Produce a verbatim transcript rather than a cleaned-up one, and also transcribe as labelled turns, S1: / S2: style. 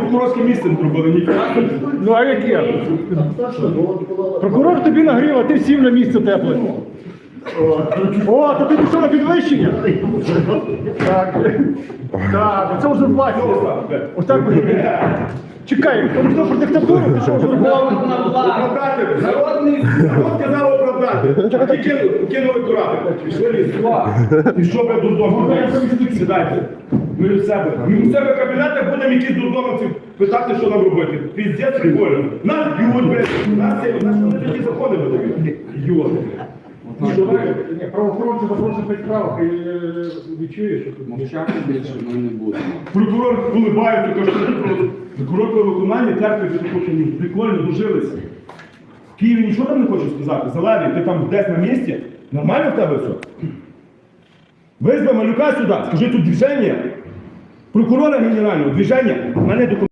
S1: прокурорське місце не зробили, ніфіга.
S2: Ну а яке? Прокурор тобі нагрів, а ти сів на місце тепле. О, то ти пішов на підвищення? Так. Так, це узурпація. Ось так буде. Чекай, тому що про диктатуру, ти що узурпував?
S1: Оправдати, народний, народ сказав оправдати. А ті кинули, кинули курати. Пішли ліс. І що ви дурдом? Сідайте. Ми у себе. Ми у себе в кабінетах будемо якісь дурдомовці питати, що нам робити. Піздець прикольно. Нас б'ють, блядь. Нас це, нас вони такі закони видають. Йоти.
S2: Правоохоронці запросять п'ять правок і відчуєш, що тут
S3: Мовчати більше ми не будемо.
S1: Прокурор улибається, каже, що прокурор по виконанні терпить, тому що прикольно дожилися. В Києві нічого там не хочу сказати. Зелений, ти там десь на місці. Нормально в тебе все? Визви Малюка сюди, скажи тут движення. Прокурора генерального, движення, в мене документи.